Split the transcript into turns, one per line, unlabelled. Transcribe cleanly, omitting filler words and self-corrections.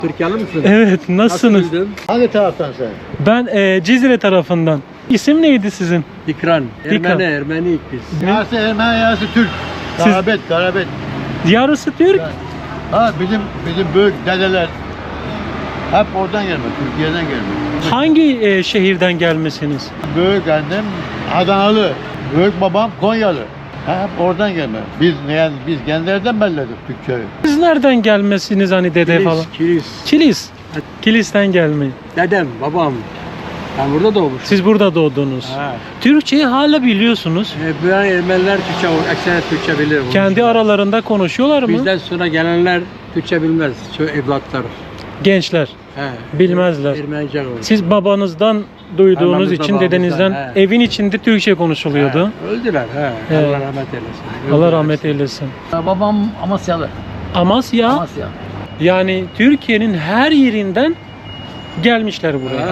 Türkiye'li misin?
Evet, nasılsınız?
Nasıl bildin?
Hangi taraftan sen?
Ben Cizre tarafından. İsim neydi sizin?
Dikran.
Dikran.
Ermeniyik biz.
Yarısı Ermeni, yarısı Türk. Garabet.
Yarısı Türk.
Ha bizim büyük dedeler hep oradan gelme, Türkiye'den gelme.
Hangi şehirden gelmesiniz?
Büyük annem Adanalı, büyük babam Konyalı. Ha, hep oradan gelme. Biz gençlerden belledik Türkçeyi.
Siz nereden gelmesiniz hani dede falan?
Kilis.
Kilis. Kilis'ten gelmeyi.
Dedem, babam. Ben burada doğmuşum.
Siz burada doğdunuz.
Ha.
Türkçeyi hala biliyorsunuz.
Bu Ermeniler Türkçe, ekseri Türkçe bilir.
Kendi aralarında konuşuyorlar mı?
Bizden sonra gelenler Türkçe bilmez. Şu evlatlar.
Gençler
He.
bilmezler.
Ermenice olur.
Siz babanızdan duyduğunuz
Anamızdan,
için
babamızdan,
dedenizden
he.
evin içinde Türkçe konuşuluyordu.
He, öldüler. He.
He.
Allah rahmet eylesin.
Allah
Öldüler.
rahmet eylesin.
Babam Amasyalı.
Amasya
Amasya.
yani Türkiye'nin her yerinden gelmişler buraya.